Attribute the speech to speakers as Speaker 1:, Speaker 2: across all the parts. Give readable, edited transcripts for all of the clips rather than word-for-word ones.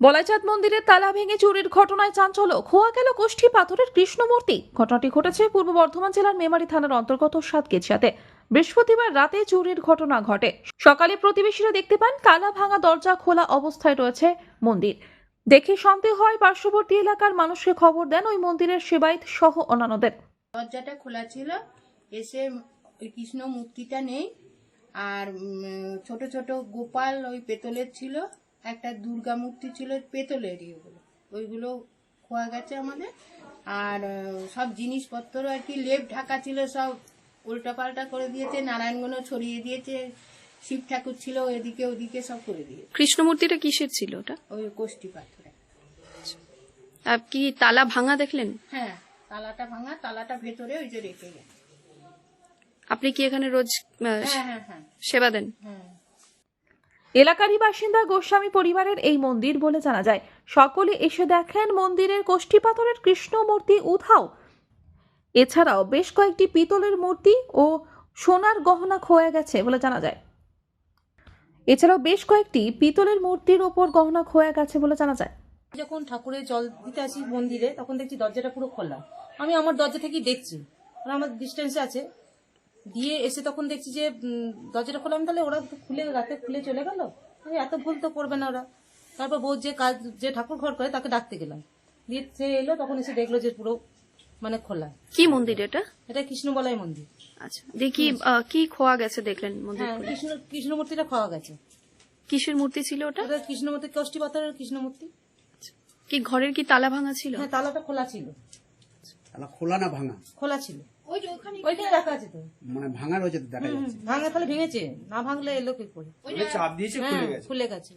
Speaker 1: বলাইচাঁদ মন্দিরের তালা ভেঙে চুরির ঘটনায় চাঞ্চল্য, খোয়া গেল কোষ্ঠী পাথরের কৃষ্ণ মূর্তি। ঘটনাটি ঘটেছে পূর্ব বর্ধমান জেলার মেমারি থানার অন্তর্গত সাতগেছিয়াতে। বৃহস্পতিবার রাতে চুরির ঘটনা ঘটে। সকালে প্রতিবেশীরা দেখতে পান তালা ভাঙা দরজা খোলা অবস্থায় রয়েছে মন্দির। দেখে সন্দেহ হয়, পার্শ্ববর্তী এলাকার মানুষকে খবর দেন ওই মন্দিরের সেবায়েত সহ অন্যান্যদের।
Speaker 2: দরজাটা খোলা ছিল, এসে ওই কৃষ্ণ মূর্তিটা নেই, আর ছোট ছোট গোপাল ওই পেতলের ছিল, একটা দুর্গা মূর্তি ছিল পেতলের, ওইগুলো খোয়া গেছে আমাদের। আর সব জিনিসপত্র আর কি লেপ ঢাকা ছিল, সব উল্টাপাল্টা করে দিয়েছে, নারায়ণগণ ছড়িয়ে দিয়েছে, শিব ঠাকুর ছিল এদিকে ওদিকে সব করে দিয়েছে।
Speaker 3: কৃষ্ণ মূর্তিটা কিসের ছিল ওটা?
Speaker 2: ওই কোষ্ঠী পাথরে।
Speaker 3: কি তালা ভাঙা দেখলেন?
Speaker 2: হ্যাঁ, তালাটা ভাঙা, তালাটা ভেতরে ওই যে রেখে গেছে।
Speaker 3: আপনি কি এখানে রোজ
Speaker 2: হ্যাঁ
Speaker 3: সেবা দেন?
Speaker 2: হ্যাঁ।
Speaker 1: এলাকারই বাসিন্দা গোস্বামী পরিবারের এই মন্দির বলে জানা যায়। সকলে এসে দেখেন মন্দিরের কোষ্ঠী পাথরের কৃষ্ণ মূর্তি উধাও। এছাড়াও বেশ কয়েকটি পিতলের মূর্তি ও সোনার গহনা খোয়া গেছে বলে জানা যায়। এছাড়াও বেশ কয়েকটি পিতলের মূর্তির ওপর গহনা খোয়া গেছে বলে জানা যায়।
Speaker 4: যখন ঠাকুরের জল দিতে আসি মন্দিরে, তখন দেখছি দরজাটা পুরো খোলা। আমি আমার দরজা থেকেই দেখছি, ওরা আমার ডিস্টেন্সে আছে, দিয়ে এসে তখন দেখছি যে দরজাটা খোলা। আমি তাহলে ওরা খুলে রাতে খুলে চলে গেল, আমি এত ভুল তো করবে না ওরা। তারপর বউ যে কাজ, যে ঠাকুর ঘর করে, তাকে ডাকতে গেলাম, দিয়ে সে এলো, তখন এসে দেখলো যে পুরো মানে খোলা।
Speaker 3: কি মন্দির এটা?
Speaker 4: এটা কৃষ্ণবলাই মন্দির।
Speaker 3: আচ্ছা, দেখি কি খোয়া গেছে দেখলেন মন্দির?
Speaker 4: হ্যাঁ, কৃষ্ণ মূর্তিটা খাওয়া গেছে।
Speaker 3: কিসের মূর্তি ছিল ওটা?
Speaker 4: ওটা কৃষ্ণ মূর্তি, কোষ্ঠী পাথরের কৃষ্ণ মূর্তি।
Speaker 3: কি ঘরের কি তালা ভাঙা ছিল?
Speaker 4: হ্যাঁ, তালাটা খোলা ছিল।
Speaker 5: তালা খোলা না ভাঙা?
Speaker 4: খোলা ছিল, ওইখানে রাখা আছে তো।
Speaker 5: মানে ভাঙা রয়েছে তো, দেখা যাচ্ছে।
Speaker 4: ভাঙা তাহলে ভেঙেছে, না ভাঙলে এলো কি করে?
Speaker 5: চাপ দিয়েছে, খুলে গেছে।
Speaker 4: খুলে গেছে।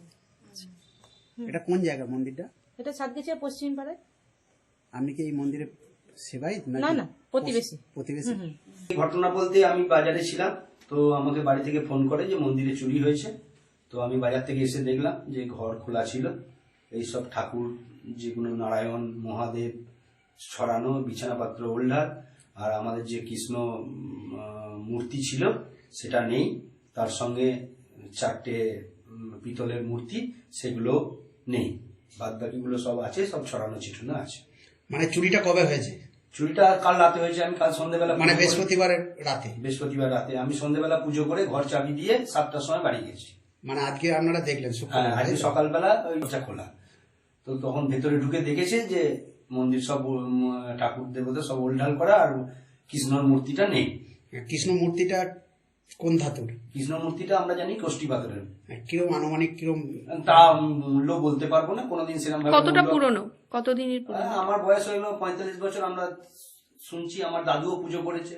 Speaker 5: এটা কোন জায়গা মন্দিরটা?
Speaker 4: এটা সাতগেছিয়া পশ্চিম পাড়ায়।
Speaker 5: আপনি কি এই মন্দিরে সেবায়েত?
Speaker 4: না না, প্রতিবেশী।
Speaker 5: প্রতিবেশী।
Speaker 6: ঘটনা বলতে আমি বাজারে ছিলাম, তো আমাকে বাড়ি থেকে ফোন করে যে মন্দিরে চুরি হয়েছে। তো আমি বাজার থেকে এসে দেখলাম যে ঘর খোলা ছিল, এইসব ঠাকুর যেগুলো নারায়ণ মহাদেব ছড়ানো, বিছানাপত্র ওল্ডার, আর আমাদের যে কৃষ্ণ মূর্তি ছিল সেটা নেই। তার সঙ্গে চারটে পিতলের মূর্তি, সেগুলো নেই। বাদ বাকিগুলো সব আছে, সব ছড়ানো ছিটানো আছে।
Speaker 5: মানে চুরিটা কবে হয়েছে?
Speaker 6: চুরিটা কাল রাতে হয়েছে। আমি কাল সন্ধ্যেবেলা,
Speaker 5: মানে বৃহস্পতিবারের রাতে?
Speaker 6: বৃহস্পতিবার রাতে আমি সন্ধ্যেবেলা পুজো করে ঘর চাবি দিয়ে 7টার সময় বাড়ি গেছি।
Speaker 5: মানে আজকে আপনারা দেখলেন?
Speaker 6: হ্যাঁ, আজকে সকালবেলা ওই দরজা খোলা, তো তখন ভেতরে ঢুকে দেখেছে যে মন্দির সব ঠাকুর দেবতা সব ওলঢাল করা, আর কৃষ্ণর মূর্তিটা নেই।
Speaker 5: কৃষ্ণ মূর্তিটা কোন ধাতুর?
Speaker 6: কৃষ্ণ মূর্তিটা আমরা জানি কোষ্ঠী পাথরের।
Speaker 5: কিরম আনুমানিক, কিরম
Speaker 6: তা মূল্য বলতে পারবো না, কোনোদিন সেরকম
Speaker 3: কতটা পুরনো, কতদিনের পুরনো?
Speaker 6: আমার বয়স হইলো 45 বছর। আমরা শুনছি আমার দাদুও পুজো করেছে,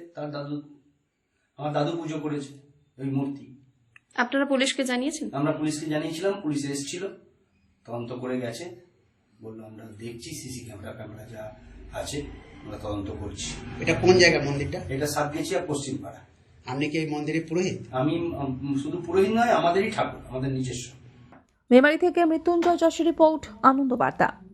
Speaker 6: আমার দাদু পুজো করেছে ওই মূর্তি।
Speaker 3: আপনারা পুলিশকে জানিয়েছেন?
Speaker 6: আমরা পুলিশকে জানিয়েছিলাম, পুলিশ এসেছিল, তদন্ত করে গেছে, বললো আমরা দেখছি সিসি ক্যামেরা যা আছে আমরা তদন্ত করছি।
Speaker 5: এটা কোন জায়গা মন্দিরটা?
Speaker 6: এটা সাতগেছিয়া পশ্চিম পাড়া।
Speaker 5: আপনি কি এই মন্দিরে পুরোহিত?
Speaker 6: আমি শুধু পুরোহিত নয়, আমাদেরই ঠাকুর, আমাদের নিজস্ব।
Speaker 1: মেমারি থেকে মৃত্যুঞ্জয় যশের রিপোর্ট, আনন্দ বার্তা।